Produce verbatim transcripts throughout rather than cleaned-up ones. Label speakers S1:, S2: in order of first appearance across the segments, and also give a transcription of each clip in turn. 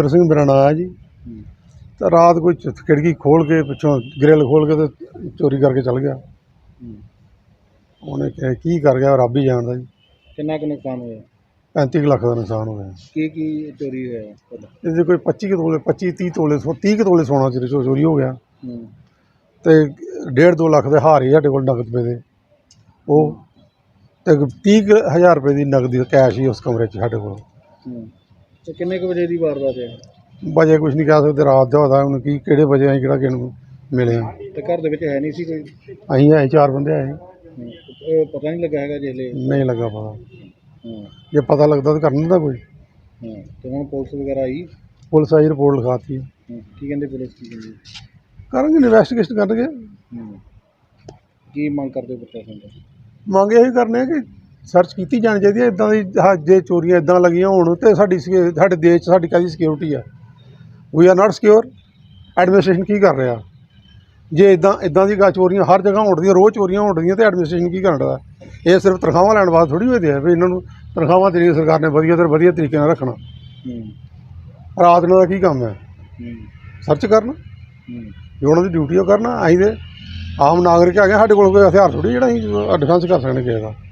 S1: बलविंदर सिंह मेरा नाम है जी। तो रात कोई खिड़की खोल के पिछों ग्रिल खोल के तो चोरी करके चल गया। उन्हें की कर गया रब ही जानता जी।
S2: कितना कुछ नुकसान होया?
S1: पैंती लाख का नुकसान हो गया।
S2: की की चोरी होया?
S1: इससे कोई पच्ची के तोले पच्ची तीह तोले सौ तीह के तोले सोना चोरी चोरी हो गया। तो डेढ़ दो लाख के हार ही साढ़े को नगद पे दे वो तो तीह हज़ार रुपये की नगदी कैश ही उस कमरे साढ़े को।
S2: तो किन्ने क बजे की वारदात है?
S1: बजे कुछ नहीं कह सकते, रात का होता हूँ कि किहड़े बजे अं कि मिले हाँ।
S2: तो घर दे विच है नहीं सी कोई?
S1: अं है चार बंदे आए।
S2: तो पता नहीं लगा है जिसले?
S1: नहीं लगा पता। जे पता लगता तो करना था कोई।
S2: तो हम पुलिस वगैरह आई?
S1: पुलिस आई, रिपोर्ट लिखाती।
S2: की कहते पुलिस की कहती?
S1: करेंगे इन्वेस्टिगेशन करनगे।
S2: की मंग करते प्रशासन का?
S1: मंग यही करने कि सर्च की जानी चाहिए इदां दी। हाँ जे चोरियां इदां लगियां होण ते साडी साडे देश च साडी काहदी सिक्योरिटी है? We are not secure. Administration की कर रहा? जे इदां इदां दी चोरियां हर जगह होण दियां, रोज़ चोरियां होण दियां, तो एडमिनिस्ट्रेशन की करन दा? ये सिर्फ तनखावां लैण वास्ते थोड़ी होए दे भी इन्हां नूं तनखावां देनियां सरकार ने वधिया तो वधिया तरीके नाल रखना। रात इन्हां दा की काम है? सर्च करना जो उन्हां दी ड्यूटी है करना। असीं ते आम नागरिक है, साढ़े कोल कोई हथियार थोड़ी जिहड़ा असीं डिफेंस कर सकने किसी दा।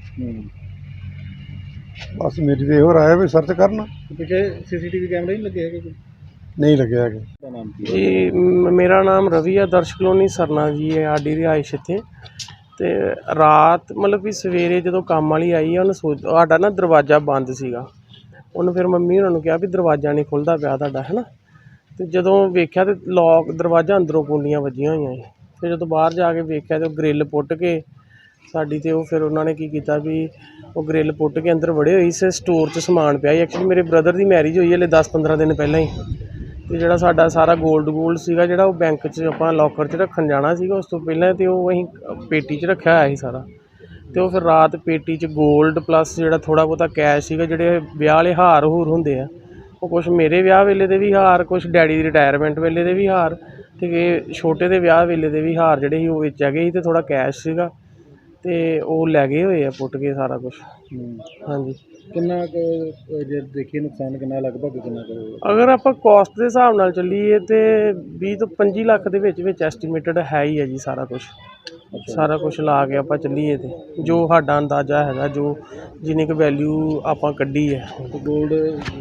S1: बस मेरी तो यो राय है भी सर्च करना।
S2: पिछले सीसीटीवी कैमरे नहीं लगे है?
S1: नहीं लगे है
S3: जी। मेरा नाम रवि है, दर्श कलोनी सरना जी है आडी रिहाइश इत्थे। ते रात मतलब कि सवेरे जो काम वाली आई है उन्हें सोच साडा ना दरवाज़ा बंद सीगा। उन्हें फिर मम्मी उन्होंने कहा भी दरवाज़ा नहीं खुलता पिया तुहाडा, है ना। तो जदों वेख्या तो लॉक दरवाज़ा अंदरों कुंडियां वजियां होईयां सी। फिर जो बाहर जाके वेख्या तो ग्रिल पुट के साडी ते वो फिर उन्होंने की किया भी वो ग्रिल पुट के अंदर वड़े हुए से स्टोर च समान पिया। एक्चुअली मेरे ब्रदर की मैरिज हुई हले दस पंद्रह दिन पहला ही। तो जोड़ा साडा सारा गोल्ड गोल्ड सीगा जोड़ा वो बैंक च आपां लॉकर च रखन जाना सीगा। उस तो पहले तो वो असीं पेटी च रखा होया सी सारा। तो फिर रात पेटी च गोल्ड प्लस जोड़ा थोड़ा बहुता कैश सीगा, जोड़े ब्याह वाले हार हूर हुंदे आ वो कुछ मेरे ब्याह वेले दे भी हार, कुछ डैडी दी रिटायरमेंट वेले दे भी हार, ते छोटे दे ब्याह वेले दे भी हार जोड़े वो बेचा गए सी। ते थोड़ा कैश सीगा ते वो लै गए होए आ पुट के सारा कुछ। हाँ जी।
S2: कितना जे देखिए नुकसान कितना लगभग कितना करोगे?
S3: अगर आप कॉस्ट के हिसाब नाल चलीए तो बीस तो पंजी लाख के विच विच एस्टीमेटेड है ही है जी सारा कुछ। सारा कुछ ला के आप चलीए तो जो साडा अंदाजा है, जो जिन्नी क वैल्यू आप कड्ढी है।
S2: तो गोल्ड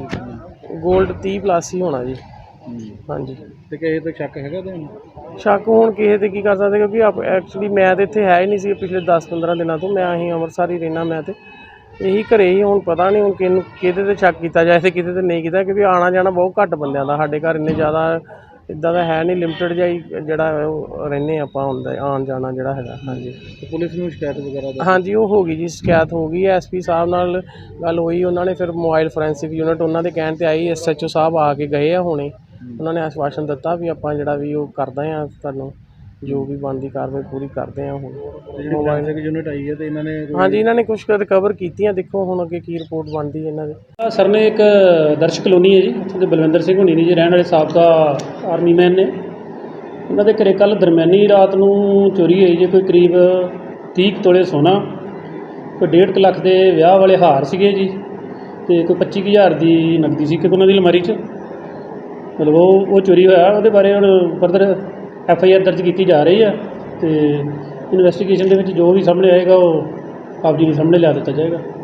S3: गोल्ड तीह प्लस ही होना जी। हाँ जी।
S2: तो किसी तो शक है?
S3: शक हुण किसी ते की कर सकते, क्योंकि आप एक्चुअली मैं तो इत्थे है ही नहीं सी पिछले दस पंद्रह दिनों तो। मैं अहीं अमृतसर ही रहना, मैं तो यही घरे ही। हुण पता नहीं हुण किहनूं किहदे ते शक किया जाए ते किहदे ते नहीं कीता, क्योंकि आना जाना बहुत घੱਟ बंदियां दा साडे घर। इन्ने ज़्यादा इदां दा है नहीं, लिमिटेड जिहा ही जिहड़ा रहिंदे आपां हुंदा आन जाना जिहड़ा हैगा। हाँ जी।
S2: तो पुलिस नूं शिकायत वगैरह?
S3: हाँ जी, वो हो गई जी, शिकायत हो गई है। एस पी साहब नाल गल होई, उन्होंने फिर मोबाइल फोरेंसिक यूनिट उन्होंने कहण ते आई, एस एच ओ साहब आके गए आ हुणे। उन्होंने आश्वासन दिता भी आपां जिहड़ा भी वो करदे आ, तुहानूं जो भी बनती कार्रवाई पूरी करते हैं। हुण
S2: मोबाइल यूनिट आई है तो इन्होंने?
S3: हाँ जी, इन्होंने कुछ रिकवर कीतियां। देखो हुण अगे की रिपोर्ट बनती है इन्हां दी।
S4: सर ने एक दर्श कलोनी है जी, उत्थे बलविंदर सिंह होनी ने जी रहने वाले साबका आर्मी मैन ने। उन्होंने घरे कल दरम्यानी रात नूं चोरी हुई जी, कोई करीब तीह तोले सोना, कोई डेढ़ क लख के विआह वाले हार सीगे जी, तो कोई पच्ची हज़ार की नकदी सी उन्होंने दी अलमारी च। मतलब वो वो चोरी होया, वो बारे हुण फर्दर एफ आई आर दर्ज की जा रही है। तो इन्वेस्टिगेशन के जो भी सामने आएगा वो आप जी के सामने लिया दिता जाएगा।